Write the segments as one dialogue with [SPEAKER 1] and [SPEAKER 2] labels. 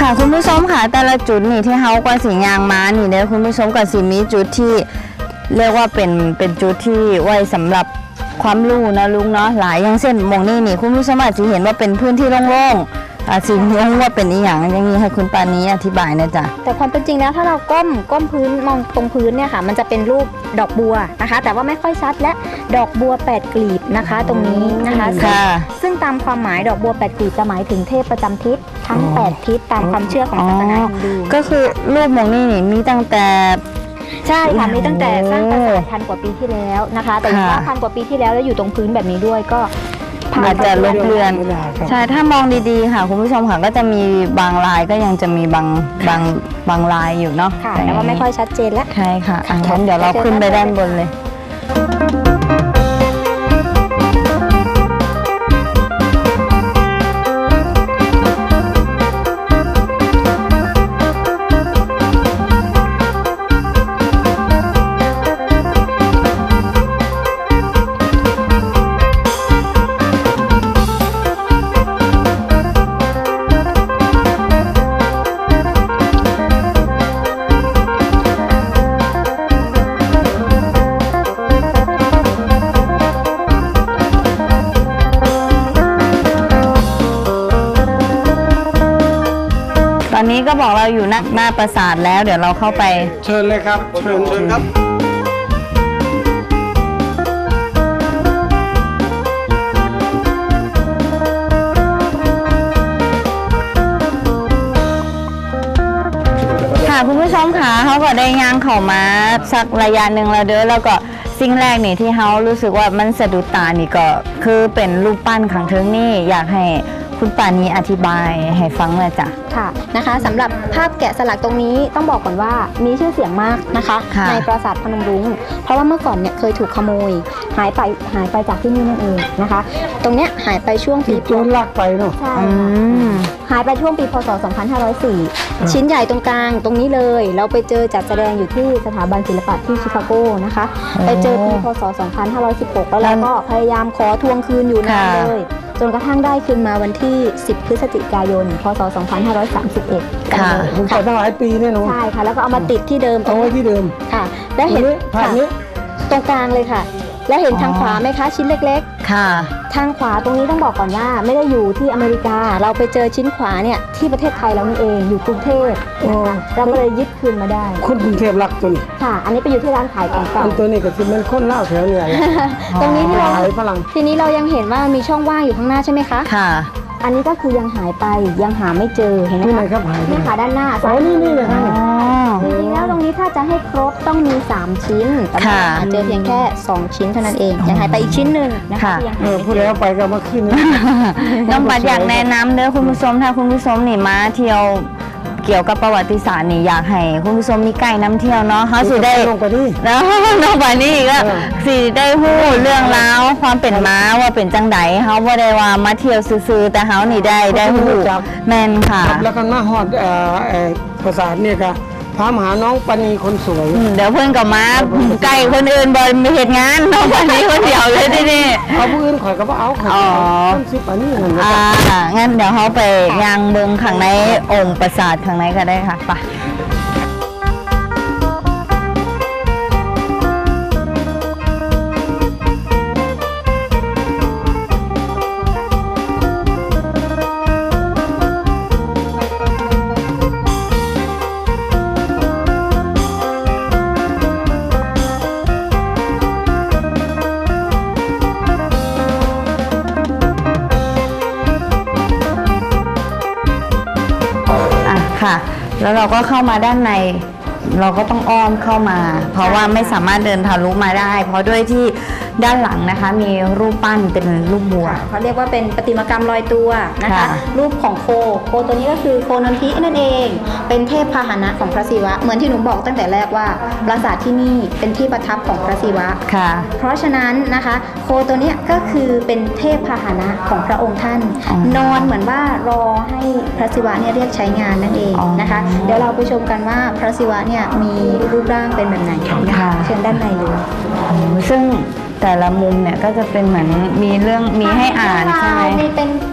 [SPEAKER 1] ค่ะคุณผู้ชมค่ะแต่ละจุดนี่ที่เฮากว่าสียางม้านี่เด้อคุณผู้ชมกับสีมีจุดที่เรียกว่าเป็นจุดที่ไว้สำหรับความรู้นะลุงเนาะหลายอย่างเช่นมองนี่คุณผู้ชมอาจจะเห็นว่าเป็นพื้นที่โล่งๆสีงงว่าเป็นอีหยังอย่างนี้ให้คุณปานี้อธิบายนะจ๊ะ
[SPEAKER 2] แต่ความเป็นจริงแล้วถ้าเราก้มพื้นมองตรงพื้นเนี่ยค่ะมันจะเป็นรูปดอกบัวนะคะแต่ว่าไม่ค่อยชัดและดอกบัว8กลีบนะคะตรงนี้นะคะซึ่งตามความหมายดอกบัว8กลีบจะหมายถึงเทพประจำทิศทั้ง8ทิศตามความเชื่อของศาสนาฮินดู
[SPEAKER 1] ก็คือรูปมองนี่มีตั้งแต่
[SPEAKER 2] ใช่ค่ะมีตั้งแต่สร้างปราสาท1,000 กว่าปีที่แล้วนะคะแต่ว่า1,000 กว่าปีที่แล้วอยู่ตรงพื้นแบบนี้ด้วยก็
[SPEAKER 1] อาจจะลบเลือนใช่ถ้ามองดีๆค่ะคุณผู้ชมค่ะก็จะมีบางลายก็ยังจะมีบางลายอยู่เนาะ
[SPEAKER 2] ค่ะแต่ว่าไม่ค่อยชัดเจนแล้ว
[SPEAKER 1] ใช่ค่ะงั้นเดี๋ยวเราขึ้นไปด้านบนเลยตอนนี้ก็บอกเราอยู่หน้าปราสาทแล้วเดี๋ยวเราเข้าไป
[SPEAKER 3] เชิญเลยครับเชิญครับ
[SPEAKER 1] ค่ะคุณผู้ชมค่ะเขาก็ได้ย่างเข้ามาสักระยะหนึ่งแล้วเด้อแล้วก็สิ่งแรกนี่ที่เขารู้สึกว่ามันสะดุดตานี่ก็คือเป็นรูปปั้นขังเทิงนี่อยากให้คุณปานีอธิบายให้ฟังเลยจ้ะ
[SPEAKER 2] ค่ะนะคะสำหรับภาพแกะสลักตรงนี้ต้องบอกก่อนว่ามีชื่อเสียงมากนะคะในปราสาทพนมรุ้งเพราะว่าเมื่อก่อนเนี่ยเคยถูกขโมยหายไปจากที่นี่นั่นเองนะคะตรงเนี้ยหายไปช่วงปี
[SPEAKER 3] โจรลักไปเนาะ
[SPEAKER 2] ใช่หายไปช่วงปีพศ2504ชิ้นใหญ่ตรงกลางตรงนี้เลยเราไปเจอจัดแสดงอยู่ที่สถาบันศิลปะที่ชิคาโกนะคะไปเจอปีพศ2516แล้วเราก็พยายามขอทวงคืนอยู่นานเลยจนกระทั่งได้คืนมาวันที่10 พฤศจิกายน พศ 2531
[SPEAKER 1] ค่ะ
[SPEAKER 3] มันไปตั้งหลายปีเนี่ยเนาะ
[SPEAKER 2] ใช่ค่ะแล้วก็เอามาติดที่เดิม
[SPEAKER 3] เอาไว้ที่เดิม
[SPEAKER 2] ค่ะแล้วเห็น
[SPEAKER 3] ภาพนี้
[SPEAKER 2] ตรงกลางเลยค่ะแล้วเห็นทางขวาไหมคะชิ้นเล็ก
[SPEAKER 1] ๆค่ะ
[SPEAKER 2] ทางขวาตรงนี้ต้องบอกก่อนว่าไม่ได้อยู่ที่อเมริกาเราไปเจอชิ้นขวาเนี่ยที่ประเทศไทยเรานี่เองอยู่กรุงเทพเราก็เลยยึดคืนมาได้
[SPEAKER 3] คนกรุงเทพรักตัวนี้
[SPEAKER 2] ค่ะอันนี้ไปอยู่ที่ร้านขายของเก่า
[SPEAKER 3] ตัวนี้ก็คือมันคนเล่าแถวเนี่ย
[SPEAKER 2] ตรงนี้ที่เรา
[SPEAKER 3] ฝรั่ง
[SPEAKER 2] ทีนี้เรายังเห็นว่ามีช่องว่างอยู่ข้างหน้าใช่ไหมคะ
[SPEAKER 1] ค่ะ
[SPEAKER 2] อันนี้ก็คือยังหายไปยังหาไม่เจอเห็นไหมคะ
[SPEAKER 3] ครับหาย
[SPEAKER 2] นี่ค่ะด้านหน้า
[SPEAKER 3] นี่เลยค่ะ
[SPEAKER 2] จริงๆแล้วตรงนี้ถ้าจะให้ครบต้องมี3ชิ้นแต่หาเจอเพียงแค่2ชิ้นเท่านั้นเองยังหายไปอีกชิ้นหนึ่งนะคะ
[SPEAKER 3] พูดแล้วไปก็มาขึ้น
[SPEAKER 1] น้องปัดอยากแนะนำเด้อคุณผู้ชมถ้าคุณผู้ชมนี่มาเที่ยวเกี่ยวกับประวัติศาสตร์นี่อยากให้คุณผู้ชมมีไกด์น้ำเที่ยวเนาะเขาสิได้
[SPEAKER 3] ลงไปนี่
[SPEAKER 1] แล้วน้องปานี่ก็สิได้พูดเรื่องราวความเป็นม้าว่าเป็นจังไดเขาบ่ได้ว่ามาเที่ยวซื่อๆแต่เขานี่ได้พูดแม่นค่ะ
[SPEAKER 3] แล้วก็มาฮอดปราสาทเนี่ยก็พามหาน้องปานีคนสวย
[SPEAKER 1] เดี๋ยวเพื่อนกับมาไก่คนอื่นบอยมีเหตุงานน้องปานีคนเดียวเลยที่นี่
[SPEAKER 3] เอาผู้อื่นข่อยก็เอาข่อยต้นซิปอันนี้
[SPEAKER 1] งั้นเดี๋ยวเขาไปยางเบิงข้างในองค์ปราสาทข้างในก็ได้ค่ะไปค่ะแล้วเราก็เข้ามาด้านในเราก็ต้องอ้อมเข้ามาเพราะว่าไม่สามารถเดินทะลุมาได้เพราะด้วยที่ด้านหลังนะคะมีรูปปั้นเป็นรูปบัว
[SPEAKER 2] เขาเรียกว่าเป็นประติมากรรมลอยตัวนะคะรูปของโคตัวนี้ก็คือโคนนทินั่นเองเป็นเทพพาหนะของพระศิวะเหมือนที่หนูบอกตั้งแต่แรกว่าปราสาทที่นี่เป็นที่ประทับของพระศิวะ
[SPEAKER 1] ค่ะ
[SPEAKER 2] เพราะฉะนั้นนะคะโคตัวนี้ก็คือเป็นเทพพาหนะของพระองค์ท่านนอนเหมือนว่ารอให้พระศิวะเนี่ยเรียกใช้งานนั่นเองนะคะเดี๋ยวเราไปชมกันว่าพระศิวะเนี่ยมีรูปร่างเป็นแบบไหนนะคะเชิญด้านในเลย
[SPEAKER 1] ซึ่งแต่ละมุมเนี่ยก็จะเป็นเหมือนมีเรื่องมีให้อ่านใช่ไหม
[SPEAKER 2] มีเป็น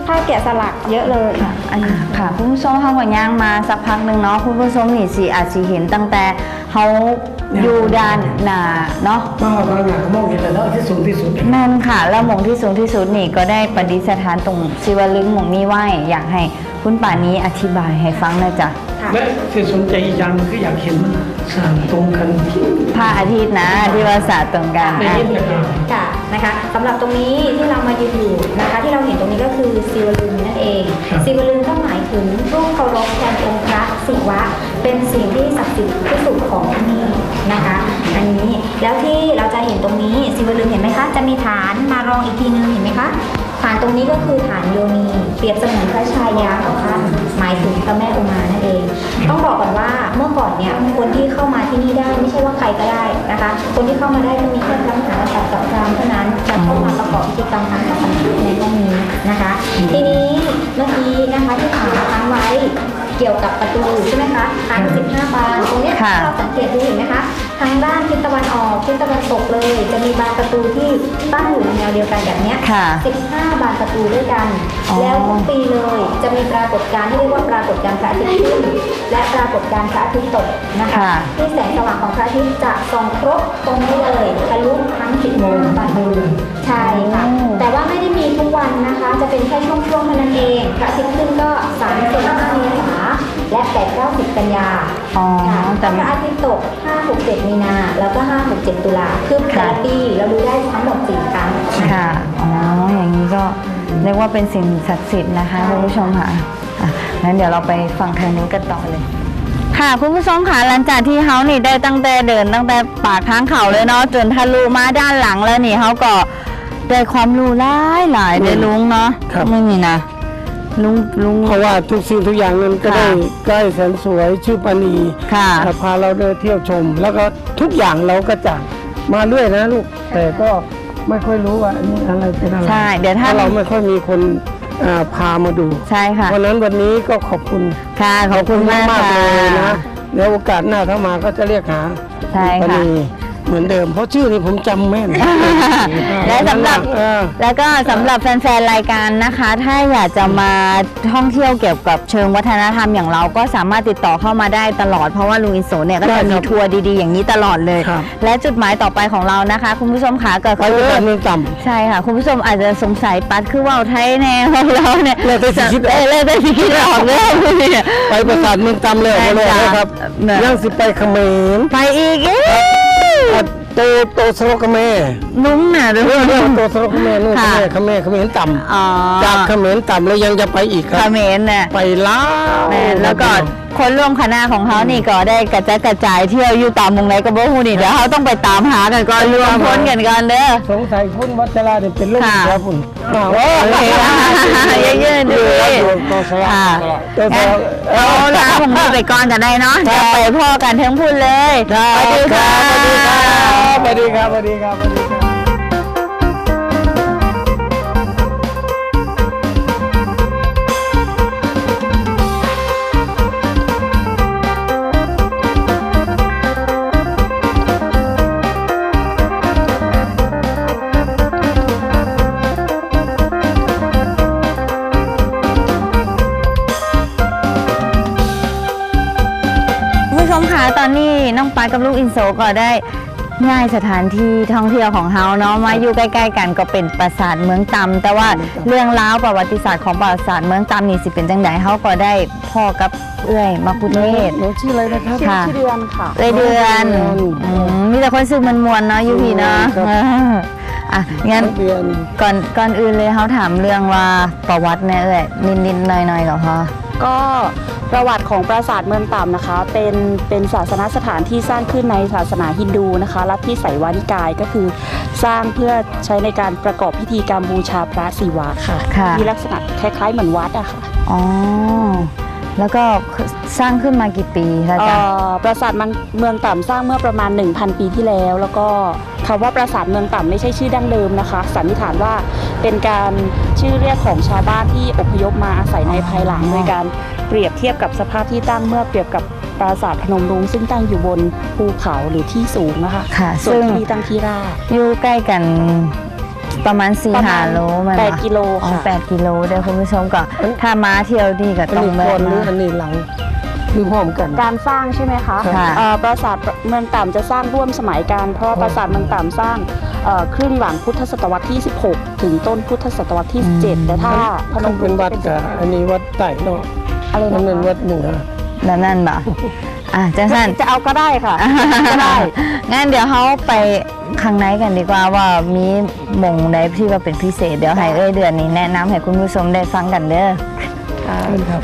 [SPEAKER 2] ผ้าแกะสลักเยอะเลยค่ะ
[SPEAKER 1] อันนี้ค่ะคุณผู้ชมเขาก็ย่างมาสักพักหนึ่งเนาะคุณผู้ชมนี่สิอาจสิเห็นตั้งแต่เขาอยู่ด้านหน้าเนาะ
[SPEAKER 3] ก็บางอย่างก็มองเห็นแล้วที่สูงที่สุด
[SPEAKER 1] แม่นค่ะ แล้วหม่องที่สูงที่สุดนี่ก็ได้ประดิษฐานตรงศิวลึงหม่องนี้ไว้อยากให้คุณป่านี้อธิบายให้ฟังหนะจ๊ะ
[SPEAKER 3] และที่สนใจอีกอย่างนึงคืออยากเห็นสารตรงกัน
[SPEAKER 1] พระอาทิตย์นะที่ว่าศาสตร์ตรงกัน
[SPEAKER 3] ใน
[SPEAKER 1] อ่ะ
[SPEAKER 3] เย็นนะครับ
[SPEAKER 2] ค่ะนะคะสำหรับตรงนี้ที่เรามายืนอยู่นะคะที่เราเห็นตรงนี้ก็คือศิวลึงนั่นเองศิวลึงก็หมายถึงรูปเคารพแทนองค์พระศิวะเป็นสิ่งที่ศักดิ์สิทธิ์ที่สุดของที่นี่นะคะอันนี้แล้วที่เราจะเห็นตรงนี้ศิวลึงเห็นไหมคะจะมีฐานมารองอีกทีนึงเห็นไหมคะฐานตรงนี้ก็คือฐานโยนีเปรียบเสมือนพระชายาของท่านหมายถึงพระแม่อุมานั่นเอง ต้องบอกก่อนว่าเมื่อก่อนเนี่ยคนที่เข้ามาที่นี่ได้ไม่ใช่ว่าใครก็ได้นะคะ คนที่เข้ามาได้จะมีแค่พระมหากษัตริย์กับพราหมณ์เท่านั้นจะเข้ามาประกอบพิธีกรรมทางศาสนาในห้องนี้นะคะ ทีนี้เมื่อกี้นะคะที่ถามค้างไว้เกี่ยวกับประตูใช่ไหมคะทาง15 บานตรงเนี้ย
[SPEAKER 1] ค่ะ
[SPEAKER 2] ถ้าเราสังเกตดูเห็นไหมคะทางด้านทิศตะวันออกทิศตะวันตกเลย จะมีบานประตูที่ตั้งอยู่ในแนวเดียวกันแบบเนี้ย
[SPEAKER 1] ค่ะ
[SPEAKER 2] 15 บานประตูด้วยกัน
[SPEAKER 1] อ๋อ
[SPEAKER 2] แล้วทุกปีเลยจะมีปรากฏการณ์ที่เรียกว่าปรากฏการณ์พระอาทิตย์ขึ้นและปรากฏการณ์พระอาทิตย์ตกนะคะ
[SPEAKER 1] ค่ะ
[SPEAKER 2] ที่แสงสว่างของพระอาทิตย์จะส่องครบตรงนี้เลยทะลุทั้ง10 โมงบานดูใช่ค่ะ แต่ว่าไม่ได้มีทุกวันนะคะ จะเป็นแค่ช่วงๆเท่านั้นเองพระอาทิตย์ขึ้นก็3-5 เมษายนและ8-9-10 กันยา
[SPEAKER 1] อ๋อ
[SPEAKER 2] ค่ะ
[SPEAKER 1] แต่
[SPEAKER 2] พระอาทิตย์ตก 5-6-7 มีนา แล้วก็ 5-6-7 ตุลาคือแต่ละปีเราดูได้ทั้งหมด4 ครั้ง
[SPEAKER 1] ค่ะ อ๋อ อย่างนี้ก็เรียกว่าเป็นสิ่งศักดิ์สิทธิ์นะคะคุณผู้ชมค่ะอ่ะงั้นเดี๋ยวเราไปฟังทางนู้นกันต่อเลย ค่ะคุณผู้ชมค่ะหลังจากที่เขานี่ได้ตั้งแต่เดินตั้งแต่ปากทางเขาเลยเนาะจนทะลุมาด้านหลังแล้วนี่เขาก็ได้ความรู้หลายเลยลุงเนาะ
[SPEAKER 3] ครับ
[SPEAKER 1] ไม่มีนะลุง
[SPEAKER 3] เพราะว่าทุกสิ่งทุกอย่างนั้นก็
[SPEAKER 1] ค่ะ
[SPEAKER 3] ได้ใกล้แสนสวยชื่อปานี
[SPEAKER 1] ค่ะ
[SPEAKER 3] พาเราเดินเที่ยวชม แล้วก็ทุกอย่างเราก็จะมาเรื่อยนะลูก แต่ก็ไม่ค่อยรู้ว่าอันนี้อะไรเป็นอะไร
[SPEAKER 1] ใช่เดี๋ยวถ้า
[SPEAKER 3] พราะเราไม่ค่อยมีคนพามาดู
[SPEAKER 1] ใช่ค่ะ
[SPEAKER 3] เพราะฉะนั้นวันนี้ก็ขอบคุณ
[SPEAKER 1] ค่ะขอบคุณมาก
[SPEAKER 3] มาก
[SPEAKER 1] ค่ะ
[SPEAKER 3] เลยนะเดี๋ยวโอกาสหน้าถ้ามาก็จะเรียกหา
[SPEAKER 1] ใช่
[SPEAKER 3] ปา
[SPEAKER 1] ค่ะ
[SPEAKER 3] นีเหมือนเดิม เพราะชื่อนี้ผมจำแม่น
[SPEAKER 1] และสำหรับ
[SPEAKER 3] เออ
[SPEAKER 1] แล้วก็สำหรับแฟนๆรายการนะคะ ถ้าอยากจะมาท่องเที่ยวเกี่ยวกับเชิงวัฒนธรรมอย่างเราก็สามารถติดต่อเข้ามาได้ตลอดเพราะว่าลุงอินโซเนี่ยก็
[SPEAKER 3] ได้
[SPEAKER 1] จะ
[SPEAKER 3] ค
[SPEAKER 1] มี
[SPEAKER 3] รับ
[SPEAKER 1] ทัวร์ดีๆอย่างนี้ตลอดเลย
[SPEAKER 3] ครับ
[SPEAKER 1] และจุดหมายต่อไปของเรานะคะ คุณผู้ชมขาเกิด
[SPEAKER 3] ไปประสาทเมืองต่ำ
[SPEAKER 1] ใช่ค่ะ คุณผู้ชมอาจจะสงสัยปัดคือว่าวไทยแน่ของเราเนี่ย
[SPEAKER 3] เลยได้สิคิดออก
[SPEAKER 1] เลยได้สิคิดออกเลยเนี่ย
[SPEAKER 3] ไปประสาทเมืองต่ำเลย
[SPEAKER 1] ใช่
[SPEAKER 3] ไปเลย
[SPEAKER 1] จ้ะ
[SPEAKER 3] นะครับ
[SPEAKER 1] เนี่ย
[SPEAKER 3] ย่างสิไปเขมร
[SPEAKER 1] ไปอีกเอ๊ะ
[SPEAKER 3] โตสโลกเขมร
[SPEAKER 1] ลุงน่ะลุ
[SPEAKER 3] เรื่องโตสโลกเขมรนู่น
[SPEAKER 1] ค่ะ
[SPEAKER 3] เขมรต่ำ
[SPEAKER 1] อ๋อ
[SPEAKER 3] จากเขมรต่ำแล้วยังจะไปอีกค
[SPEAKER 1] เข
[SPEAKER 3] รับ
[SPEAKER 1] มรเนี่ย
[SPEAKER 3] ไปลาว
[SPEAKER 1] แล้วก็คนร่วมคณะของเขานี่ก็ได้กระจายกระจายเที่ยวอยู่ตามมุมไหนก็บ่ฮู้นี่เดี๋ยวเขาต้องไปตามหากันก่อนรวมพลกันก่อนเด้อ
[SPEAKER 3] สงสัยคุณวัชราเนี่ยเป็นลูก
[SPEAKER 1] ค่ะ
[SPEAKER 3] ครับคุณ
[SPEAKER 1] โอ้โอเคค่ะเยอะๆดี
[SPEAKER 3] โตสโลก
[SPEAKER 1] ค่ะ
[SPEAKER 3] โตส
[SPEAKER 1] งั้น
[SPEAKER 3] โลก
[SPEAKER 1] เอาละผมไปก่อนกันได้เนาะจะไปพ่อกันทั้งพูดเลยสวัสดีค่ะ
[SPEAKER 3] สวัสดีครับสวัสดีครับสวัสดีครับ
[SPEAKER 1] คุณผู้ชมคะตอนนี้น้องปากับลูกอินโซก็ได้ง่ายสถานที่ท่องเที่ยวของเฮาเนาะมาอยู่ใกล้ๆกันก็เป็นปราสาทเมืองตำแต่ว่าเรื่องราวประวัติศาสตร์ของปราสาทเมืองตำนี่สิเป็นจังไดเฮาก็ได้พ่อกับเอื้อยมาคุเทศ
[SPEAKER 3] หนูชื่ออะไรนะครับ
[SPEAKER 1] ค่ะ
[SPEAKER 2] ชื่อเดือนค่ะ
[SPEAKER 1] เดือนมีแต่คนซื้อมันมวนๆเนาะอยู่พี่เนาะ
[SPEAKER 3] ครับ
[SPEAKER 1] อ่ะงั้น
[SPEAKER 3] เดือน
[SPEAKER 1] ก่อนอื่นเลยเขาถามเรื่องว่าประวัติเนี่ยเอ้ยนิดๆหน่อยๆก็พอ
[SPEAKER 4] ก็ประวัติของปราสาทเมืองต่ำนะคะ เป็นศาสนสถานที่สร้างขึ้นในศาสนาฮินดูนะคะลัทธิไสยวานิกายก็คือสร้างเพื่อใช้ในการประกอบพิธีกรรมบูชาพระศิวะค่ะ
[SPEAKER 1] ค่ะ
[SPEAKER 4] มีลักษณะคล้ายๆเหมือนวัดอะค่ะ
[SPEAKER 1] อ๋อแล้วก็สร้างขึ้นมากี่ปีแล้วจ๊ะ
[SPEAKER 4] ปราสาทเมืองต่ำสร้างเมื่อประมาณ 1,000 ปีที่แล้ว แล้วก็คำว่าปราสาทเมืองต่ำไม่ใช่ชื่อดั้งเดิมนะคะสันนิษฐานว่าเป็นการชื่อเรียกของชาวบ้านที่อพยพมาอาศัยในภายหลังโดยการเปรียบเทียบกับสภาพที่ตั้งเมื่อเปรียบกับปราสาทพนมรุ้งซึ่งตั้งอยู่บนภูเขาหรือที่สูงนะคะ
[SPEAKER 1] ค่ะ
[SPEAKER 4] ส่วน
[SPEAKER 1] ซึ่ง
[SPEAKER 4] ที่นี่ตั้งที่ราบ
[SPEAKER 1] อยู่ใกล้กันประมาณ
[SPEAKER 4] ประมาณ
[SPEAKER 1] 4-5 โลมัน
[SPEAKER 4] 8 กิโล
[SPEAKER 1] อ๋อ
[SPEAKER 4] ค่ะ
[SPEAKER 1] 8 กิโลเด้อคุณผู้ชมก็ถ้ามาเที่ยวนี่ก็
[SPEAKER 3] อัน
[SPEAKER 1] ต้อง
[SPEAKER 3] นี้
[SPEAKER 1] แวะ
[SPEAKER 3] ก่อนหรือ
[SPEAKER 1] มา
[SPEAKER 3] อันนี้หลังหรือพร้อมกัน
[SPEAKER 4] การสร้างใช่ไหมคะ
[SPEAKER 1] ค่ะ
[SPEAKER 4] ปราสาทเมืองต่ำจะสร้างร่วมสมัยกันเพราะว่าปราสาทเมืองต่ำสร้างครึ่งหลังพุทธศตวรรษที่ 16 ถึงต้นพุทธศตวรรษที่ 17 แต่ถ้าพน
[SPEAKER 3] มัน
[SPEAKER 4] มรุ
[SPEAKER 3] เป็น
[SPEAKER 4] ้ง
[SPEAKER 3] วัดกับอันนี้วัดใต้เนาะ
[SPEAKER 4] อะไร
[SPEAKER 3] มัน
[SPEAKER 4] นะ
[SPEAKER 3] เป็น
[SPEAKER 4] คะ
[SPEAKER 3] วัดเหนือ
[SPEAKER 1] แล้วนั่นบ่จังสั้น
[SPEAKER 4] จะเอาก็ได้ค่ะ ก็ได้
[SPEAKER 1] งั้นเดี๋ยวเขาไปข้างในกันดีกว่าว่ามีหม่องใดที่ว่าเป็นพิเศษเดี๋ยวให้เดือนนี้แนะนำให้คุณผู้ชมได้ฟังกันเด้อ
[SPEAKER 3] ครับ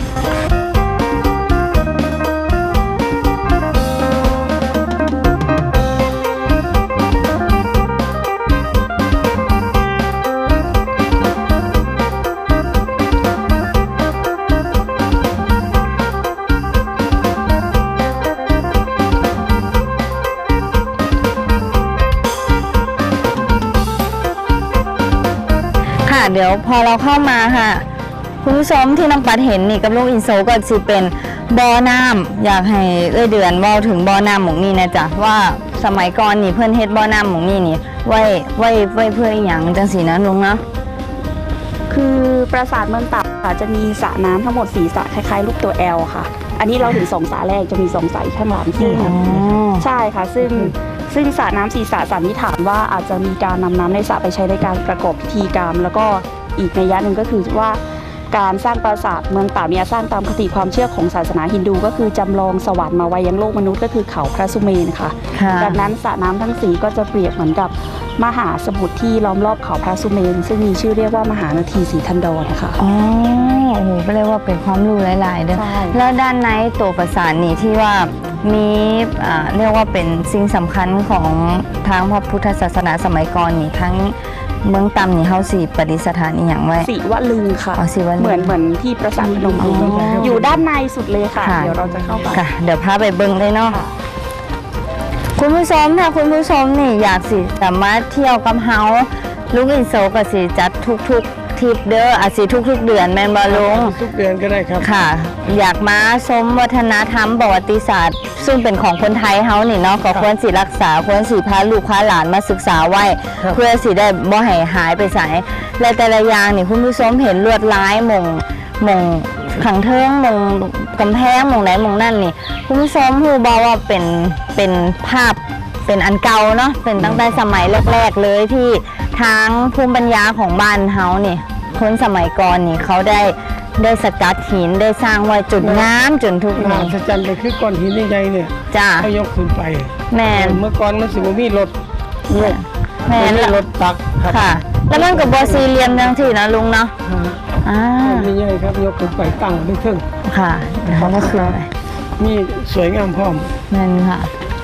[SPEAKER 1] ค่ะเดี๋ยวพอเราเข้ามาค่ะคุณผู้ชมที่น้องปัดเห็นนี่กับลูกอินโซก็สิเป็นบ่อน้ำอยากให้เดือนเว้าถึงบ่อน้ำหมองนี่นะจ๊ะว่าสมัยก่อนนี่เพื่อนเฮ็ดบ่อน้ำหมองนี่นี่ไว้เพื่ออีหยังจังสีนะลุงเนาะ
[SPEAKER 4] คือปราสาทเมืองต่ำค่ะจะมีสระน้ำทั้งหมด4สระคล้ายๆรูปตัว L ค่ะ อันนี้เราถึง2สระแรกจะมี2สระข้างหลังที่
[SPEAKER 1] อ๋อ
[SPEAKER 4] ใช่ค่ะ ซึ่งสระน้ำ4สระสันนิษฐานว่าอาจจะมีการนำน้ำในสระไปใช้ในการประกอบพิธีกรรม แล้วก็อีกนัยยะหนึ่งก็คือว่าการสร้างปราสาทเมืองต่ำเนี่ยสร้างตามคติความเชื่อของศาสนาฮินดูก็คือจำลองสวรรค์มาไว้ยังโลกมนุษย์ก็คือเขาพระสุเมนค่ะ
[SPEAKER 1] ค่ะ
[SPEAKER 4] ดังนั้นสระน้ำทั้งสี่ก็จะเปรียบเหมือนกับมหาสมุทรที่ล้อมรอบเขาพระสุเมน ซึ่งมีชื่อเรียกว่ามหานาทีสีทันดรนะคะ
[SPEAKER 1] อ๋อโอ้โหก็เรียกว่าเป็นความรู้หลายๆเด้อ
[SPEAKER 4] ใช่
[SPEAKER 1] แล้วด้านในตัวปราสาทนี่ที่ว่ามีเรียกว่าเป็นสิ่งสำคัญของทางพระพุทธศาสนาสมัยก่อนนี่ทั้งเมืองตำนี่เฮาสิประดิษฐานอีหยังไว้
[SPEAKER 4] ศิวลึงค่ะ
[SPEAKER 1] อ๋อศิวลึง
[SPEAKER 4] เหมือนที่ปราสาทพนมรุ้ง
[SPEAKER 1] อ๋อ
[SPEAKER 4] อยู่ด้านในสุดเลยค่ะ
[SPEAKER 1] ค่ะ
[SPEAKER 4] เดี๋ยวเราจะเข้าไป
[SPEAKER 1] ค่ะ เดี๋ยวพาไปเบิ่งเลยเนาะ
[SPEAKER 4] ค่ะ
[SPEAKER 1] คุณผู้ชมถ้าคุณผู้ชมนี่อยากสิสามารถเที่ยวกับเฮาลุงอินโซก็สิจัดทุกๆทริปเด้ออาจสิทุกๆเดือนแม่นบ่ลุง
[SPEAKER 3] ทุกเดือนก็ได้ครับ
[SPEAKER 1] ค่ะ อยากมาชมวัฒนธรรมประวัติศาสตร์ ซึ่งเป็นของคนไทยเฮานี่เนาะก็ควรสิรักษาควรสิพาลูกพาหลานมาศึกษาไว้
[SPEAKER 3] ครับ
[SPEAKER 1] เพื่อสิได้บ่ให้หายไปไสและแต่ละอย่างนี่คุณผู้ชมเห็นลวดลายหม่งขังเทิงหม่งกำแพงหม่งไหนหม่งนั่นนี่คุณผู้ชมฮู้บ่ว่าเป็นภาพเป็นอันเก่าเนาะเป็นตั้งแต่สมัยแรกๆเลยที่ทางภูมิปัญญาของบ้านเฮานี่คนสมัยก่อนนี่เขาได้สกัดหินได้สร้างไว้จุดงามจนทุก
[SPEAKER 3] มหั
[SPEAKER 1] นี้
[SPEAKER 3] ศจรรย์ไปคือก้อนหินใหญ่ๆเนี่ย
[SPEAKER 1] จ้า
[SPEAKER 3] ให้ยกขึ้นไป
[SPEAKER 1] แม่น
[SPEAKER 3] เมื่อก่อนมันสิบ่มีรถยก
[SPEAKER 1] แม่น
[SPEAKER 3] มีรถตักครับ
[SPEAKER 1] ค่ะ แล้วมันกับบอสี่เหลี่ยมจังที่นะลุงเนาะอ่า
[SPEAKER 3] ก้อนใหญ่ๆครับยกขึ้นไปตั้งได้ครึ่ง
[SPEAKER 1] ค่ะเขาก็คืออะไร
[SPEAKER 3] มีสวยงามพร้อม
[SPEAKER 1] นั่นค่ะ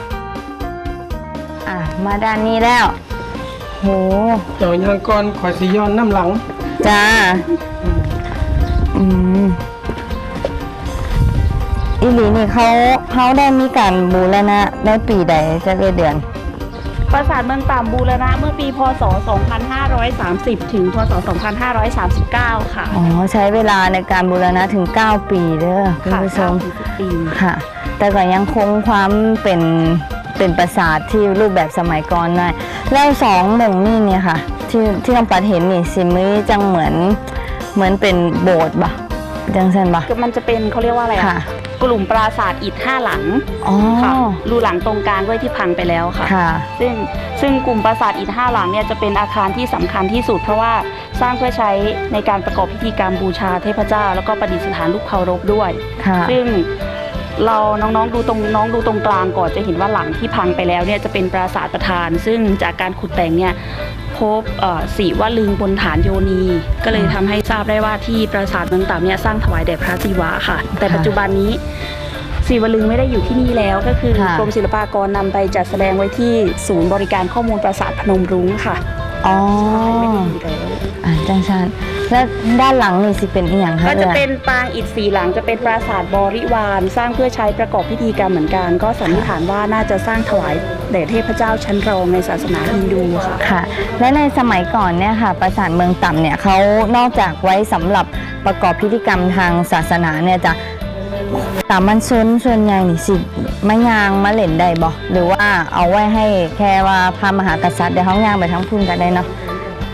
[SPEAKER 1] มาด้านนี้แล้วโห
[SPEAKER 3] เจ้ายังก่อนขอยสิย้อนน้ำหลัง
[SPEAKER 1] จ้าอีหลีนี่เขาได้มีการบูรณะได้ปีใดจะเดือน
[SPEAKER 4] ปราสาทเมืองต่ำบูรณะเมื่อปีพศ 2530 ถึงพศ 2539 ค่ะ
[SPEAKER 1] อ๋อใช้เวลาในการบูรณะถึง 9 ปีเด้อคุณ
[SPEAKER 4] ค่ะ
[SPEAKER 1] ผู้ชม
[SPEAKER 4] 9-10 ปี
[SPEAKER 1] ค่ะ แต่ก็ยังคงความเป็นปราสาทที่รูปแบบสมัยก่อนได้แล้วสองหม่องนี่เนี่ยค่ะ ที่น้องปัดเห็นนี่สิมือจังเหมือนเป็นโบสถ์ปะจังเซนปะ
[SPEAKER 4] มันจะเป็นเขาเรียกว่าอะไรอะ
[SPEAKER 1] ค่ะ
[SPEAKER 4] กลุ่มปราสาทอิฐ5 หลัง
[SPEAKER 1] อ๋อ
[SPEAKER 4] ค่ะรูหลังตรงกลางด้วยที่พังไปแล้วค่ะ
[SPEAKER 1] ค่ะ
[SPEAKER 4] ซึ่งกลุ่มปราสาทอิฐ5 หลังเนี่ยจะเป็นอาคารที่สำคัญที่สุด เพราะว่าสร้างเพื่อใช้ในการประกอบพิธีกรรมบูชาเทพเจ้า แล้วก็ประดิษฐานรูปเคารพด้วย
[SPEAKER 1] ค่ะ
[SPEAKER 4] ซึ่งเราน้องๆดูตรงกลางก่อนจะเห็นว่าหลังที่พังไปแล้วเนี่ยจะเป็นปราสาทประธาน ซึ่งจากการขุดแต่งเนี่ยพบศิวลึงบนฐานโยนี ก็เลยทำให้ทราบได้ว่าที่ปราสาทเมืองต่ำเนี่ยสร้างถวายแด่พระศิวะค่ะ แต่ปัจจุบันนี้ศิวลึงไม่ได้อยู่ที่นี่แล้วก็คือ
[SPEAKER 1] ค่ะ
[SPEAKER 4] กรมศิลปากรนำไปจัดแสดงไว้ที่ศูนย์บริการข้อมูลปราสาทพนมรุ้งค่ะ
[SPEAKER 1] อ๋อ
[SPEAKER 4] ไม่ได้อยู่แล้ว
[SPEAKER 1] จังชันแล้วด้านหลังนี่สิเป็นอีหยังคะ
[SPEAKER 4] ก็จะ
[SPEAKER 1] อ่ย
[SPEAKER 4] เป็นปางอิฐสีหลังจะเป็นปราสาทบริวารสร้างเพื่อใช้ประกอบพิธีกรรมเหมือนกัน ก็สันนิษฐานว่าน่าจะสร้างถวายแด่เทพเจ้าชั้นรองในศาสนาฮินดูค่ะ
[SPEAKER 1] ค่ะ และในสมัยก่อนเนี่ยค่ะปราสาทเมืองต่ำเนี่ยเขานอกจากไว้สำหรับประกอบพิธีกรรมทางศาสนาเนี่ยจะสามัญชนส่วนใหญ่นี่สิมายางมาเล่นได้บ่หรือว่าเอาไว้ให้แค่ว่าพระมหากษัตริย์เดี๋ยวเขาย่างไปทั้งพุ่นกันได้เนาะ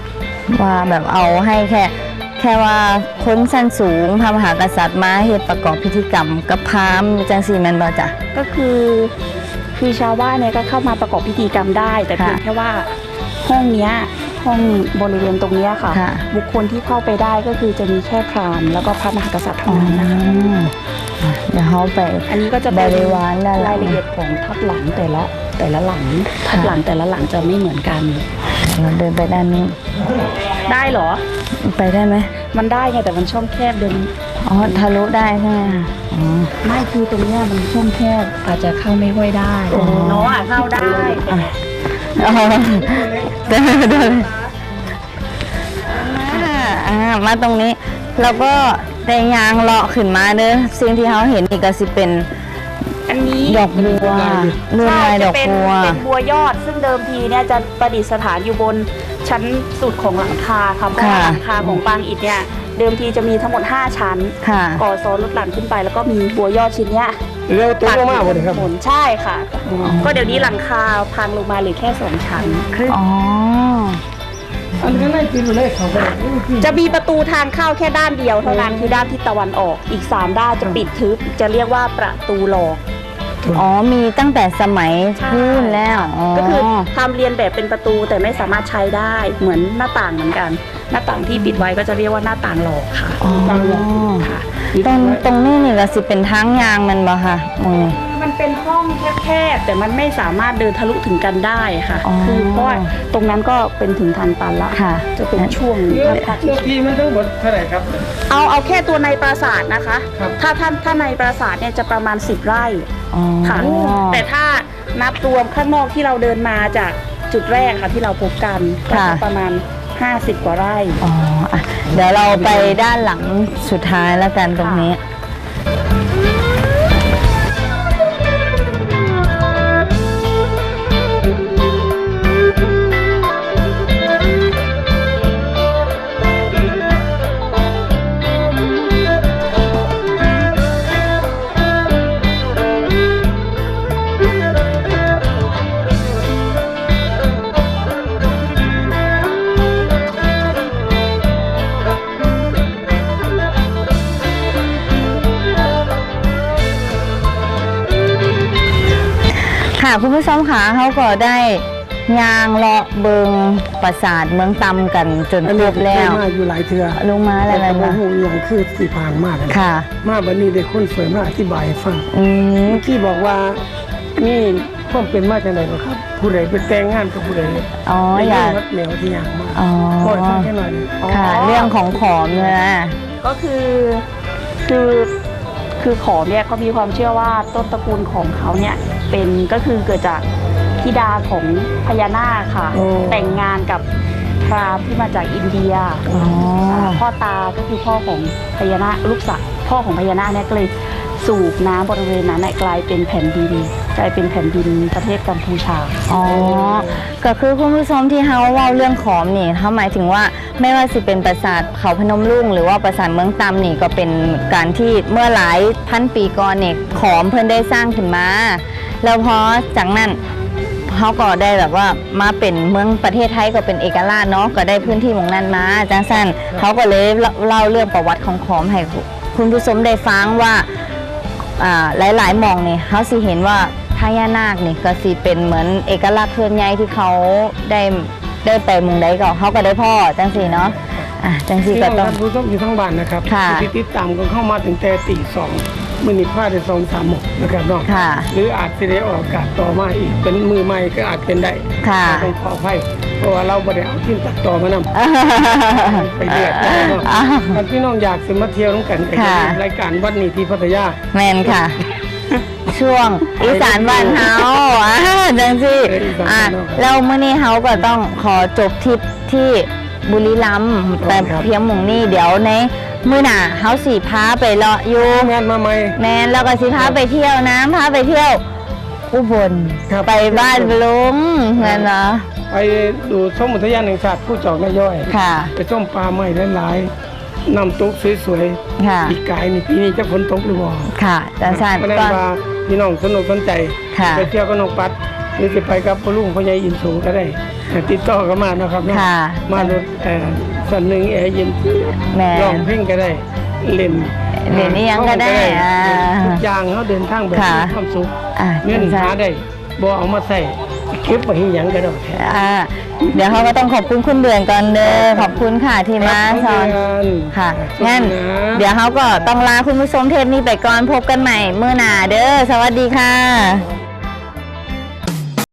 [SPEAKER 1] ว่าแบบเอาให้แค่ว่าคนสั้นสูงพระมหากษัตริย์มาเฮ็ดประกอบพิธีกรรมกับพราหมณ์จังซี่แม่นบ่จ๊ะ
[SPEAKER 4] ก็คือชาวบ้านเนี่ยก็เข้ามาประกอบพิธีกรรมได้ แต่เพียงแค่ว่าห้องเนี้ยห้องบริเวณตรงเนี้ยค่ะ
[SPEAKER 1] ค่ะ
[SPEAKER 4] บุคคลที่เข้าไปได้ก็คือจะมีแค่พราหมณ์แล้วก็พระมหากษัตริย์เท่านั้นนะคะ
[SPEAKER 1] เดี๋ยวเขาไป
[SPEAKER 4] อันนี้ก็จะเป็น
[SPEAKER 1] บริวารด้านหลัง
[SPEAKER 4] รายละเอียดของทับหลังแต่ละหลังทับหลังแต่ละหลังจะไม่เหมือนกัน
[SPEAKER 1] เราเดินไปด้านนี้
[SPEAKER 4] ได้เหรอ
[SPEAKER 1] ไปได้ไหม
[SPEAKER 4] มันได้ไงแต่มันช่องแคบเดิน
[SPEAKER 1] อ๋อทะลุได้ใช่ไหมคะอ๋อ
[SPEAKER 4] ไม่คือตรงเนี้ยมันช่องแคบอาจจะเข้าไม่ค่อยได้น้องเข้าได้
[SPEAKER 1] อ๋อเดินมาตรงนี้แล้วก็ได้ยางเลาะขึ้นมาเด้อสิ่งที่เขาเห็นนี่ก็สิเป็น
[SPEAKER 4] อันนี้
[SPEAKER 1] ดอกบัวเลื่อนลายดอกบัว
[SPEAKER 4] เป็นบัวยอด ซึ่งเดิมทีเนี่ยจะประดิษฐานอยู่บนชั้นสุดของหลังคาค่ะเพราะว่าหลังคาของปางอิฐเนี่ยเดิมทีจะมีทั้งหมด5ชั้น
[SPEAKER 1] ค่ะ
[SPEAKER 4] ก่อซ้อนลดหลั่นขึ้นไปแล้วก็มีบัวยอดชิ้นเนี้ย
[SPEAKER 3] เร็วตัวมากเลยครับ
[SPEAKER 4] หมุนใช่ค่ะ ก็เดี๋ยวนี้หลังคาพังลงมาเหลือแค่2ชั้น
[SPEAKER 1] อ๋อ
[SPEAKER 3] อันนี้ไม่กินเลยเขาไป
[SPEAKER 4] จะมีประตูทางเข้าแค่ด้านเดียวเท่านั้นคือด้านทิศตะวันออกอีก3ด้านจะปิดทึบจะเรียกว่าประตูหลอก
[SPEAKER 1] อ๋อมีตั้งแต่สมัยนู่นแล้วอ๋อ
[SPEAKER 4] ก็คือทำเรียนแบบเป็นประตูแต่ไม่สามารถใช้ได้เหมือนหน้าต่างเหมือนกัน หน้าต่างที่ปิดไว้ก็จะเรียกว่าหน้าต่างหลอกค่ะ
[SPEAKER 1] อ๋อ
[SPEAKER 4] ค่ะ
[SPEAKER 1] ตรงนี้นี่ก็สิเป็นทางยางมันบ่ค่ะมองนี่
[SPEAKER 4] มันเป็นห้องแคบๆแต่มันไม่สามารถเดินทะลุถึงกันได้ค่ะ
[SPEAKER 1] อ๋อ
[SPEAKER 4] คือเพราะว่าตรงนั้นก็เป็นถึงทางตันละ
[SPEAKER 1] ค่ะ
[SPEAKER 4] จะเป็นช่วง
[SPEAKER 3] เรื่องที่มันทั้งหมดเท่าไหร่ครับ
[SPEAKER 4] เอาแค่ตัวในปราสาทนะคะ
[SPEAKER 3] ครับ
[SPEAKER 4] ถ้าในปราสาทเนี่ยจะประมาณ10 ไร่
[SPEAKER 1] อ๋อ
[SPEAKER 4] ค่ะแต่ถ้านับรวมข้างนอกที่เราเดินมาจากจุดแรกค่ะที่เราพบกันก็จะประมาณ50 กว่าไร่
[SPEAKER 1] อ๋ออ่ะเดี๋ยวเราไปด้านหลังสุดท้ายแล้วกันตรงนี้ ค่ะคุณผู้ชมค่ะเขาก็ได้ยางเลาะเบิงปราสาทเมืองตำกันจน
[SPEAKER 3] อัน
[SPEAKER 1] คร
[SPEAKER 3] นี้
[SPEAKER 1] บแล้ว
[SPEAKER 3] มาอยู่หลายเทือ
[SPEAKER 1] ลุงมาอะไร
[SPEAKER 3] แต่
[SPEAKER 1] มา
[SPEAKER 3] ว่าหูอย่างคือสีพางมาก
[SPEAKER 1] ค่ะ
[SPEAKER 3] มาบันนี้ได้คนสวยมาอธิบายให้ฟัง
[SPEAKER 1] อืม
[SPEAKER 3] เมื่อกี้บอกว่านี่ความเป็นมาจากไหนหรอครับ ผู้ใดเป็นแต่งงานกับผู้ใด
[SPEAKER 1] อ๋อ
[SPEAKER 3] ได้
[SPEAKER 1] อยาก
[SPEAKER 3] วัดแนวที่อย่างมาก
[SPEAKER 1] อ๋อ
[SPEAKER 3] ขอฟังแค่หน่อย
[SPEAKER 1] ค่ะ เรื่องของขอมเนี่ยนะ
[SPEAKER 4] ก็คือขอมเนี่ยเขามีความเชื่อว่าต้นตระกูลของเขาเนี่ยเป็นก็คือเกิดจากธิดาของพญานาคค่ะ แต่งงานกับพราหมณ์ที่มาจากอินเดีย
[SPEAKER 1] อ๋อ
[SPEAKER 4] พ่อตาก็คือพ่อของพญานาคลูกสาวพ่อของพญานาคเนี่ยก็เลยสูบน้ำบริเวณนั้นกลายเป็นแผ่นดินประเทศกัมพูชา
[SPEAKER 1] อ๋อ ก็คือคุณผู้ชมที่เฮาเว่าเรื่องขอมนี่เขาหมายถึงว่าไม่ว่าสิเป็นปราสาทเขาพนมรุ้งหรือว่าปราสาทเมืองตำนี่ก็เป็นการที่เมื่อหลายพันปีก่อนเนี่ยขอมเพิ่นได้สร้างขึ้นมา แล้วพอจากนั้นเขาก็ได้แบบว่ามาเป็นเมืองประเทศไทยก็เป็นเอกราชเนาะก็ได้พื้นที่หมองนั้นมาจังสั้นเขาก็เลยเล่าเรื่องประวัติของขอมให้คุณผู้ชมได้ฟังว่าหลายๆหมองนี่เขาสิเห็นว่าพญานาคนี่ก็สิเป็นเหมือนเอกลักษณ์เคลื่อนย้ายที่เขาได้ไปหมุงใดก็เขาก็ได้พ่อจังสีเนาะจังสี
[SPEAKER 3] ที่
[SPEAKER 1] ก็
[SPEAKER 3] เรา
[SPEAKER 1] ต้อง
[SPEAKER 3] ท่านผู้ชมอยู่ทั้งบ้านนะครับ
[SPEAKER 1] ค่ะ
[SPEAKER 3] ที่ติดตามกันเข้ามาถึงแต่ตีสองมื้อนี้พลาดได้2-3 หมกนะครับเนาะ
[SPEAKER 1] ค่ะ
[SPEAKER 3] หรืออาจจะได้ออกอากาศต่อมาอีกเป็นมือใหม่ก็อาจเป็นได้
[SPEAKER 1] ค่ะ
[SPEAKER 3] ต้องขออภัยเพราะว่าเราบ่ได้เอาทีมตัดต่อมานำ ไปเรียกได้เนาะท่านพี่น้องอยากสิมาเที่ยวน้ำกันก็จะ
[SPEAKER 1] ค่ะ
[SPEAKER 3] มีรายการวันนี้ที่พัทยา
[SPEAKER 1] แมนค่ะ ช่วงอีสานบ้านเฮาจังสิแล้วมื้อนี้เฮาก็ต้องขอจบทริปที่บุรีรัมย์แต่เพียงหม่องนี้เดี๋ยวในมื้อหน้าเฮาสิพาไปเลาะอยู่
[SPEAKER 3] งานมาใหม่
[SPEAKER 1] แมนแล้วก็สิพาไปเที่ยวนะพาไปเที่ยวอุบล
[SPEAKER 3] ครับ
[SPEAKER 1] ไปบ้านลุงเงินเนาะ
[SPEAKER 3] ไปดูชมอุทยานแห่งชาติผู้จอกนาย่อย
[SPEAKER 1] ค่ะ
[SPEAKER 3] ไปชมปลาไม้หลายๆน้ำตกสวย
[SPEAKER 1] ค่ะ
[SPEAKER 3] ๆปีกายนี่ปีนี้จะฝนตกหรือบ่
[SPEAKER 1] ค่ะจังซั่น
[SPEAKER 3] เพราะฉะ
[SPEAKER 1] ก็
[SPEAKER 3] นั้นว่าพี่น้องสนุกสนใจ
[SPEAKER 1] ค่ะ
[SPEAKER 3] ไปเที่ยวกับน้องปัดหรือจะไปกับพ่อลุงพ่อใหญ่อินสูงก็ได้ติดต่อกันมาเนาะครับเนาะ
[SPEAKER 1] ค่ะ
[SPEAKER 3] มารถส่วนหนึ่งแอร์เย็น
[SPEAKER 1] แม่
[SPEAKER 3] ร้องเพลงก็ได้เล่น
[SPEAKER 1] เล่นนี่ยังก็ได้อ่า
[SPEAKER 3] ทุกอย่างเขาเดินทางแบบ
[SPEAKER 1] ค่ะ
[SPEAKER 3] มีความสุข
[SPEAKER 1] อ่ะ
[SPEAKER 3] เงินหาได้บ่เอามาใส่เก็บไว้ให้หยังก็ได้
[SPEAKER 1] เดี๋ยวเขาก็ต้องขอบคุณคุณเดือนก่อนเด้อขอบคุณค่ะที่มาสอนค่ะงั้นเดี๋ยวเขาก็ต้องลาคุณผู้ชมเทปนี้ไปก่อนพบกันใหม่มื้อหน้าเด้อสวัสดีค่ะ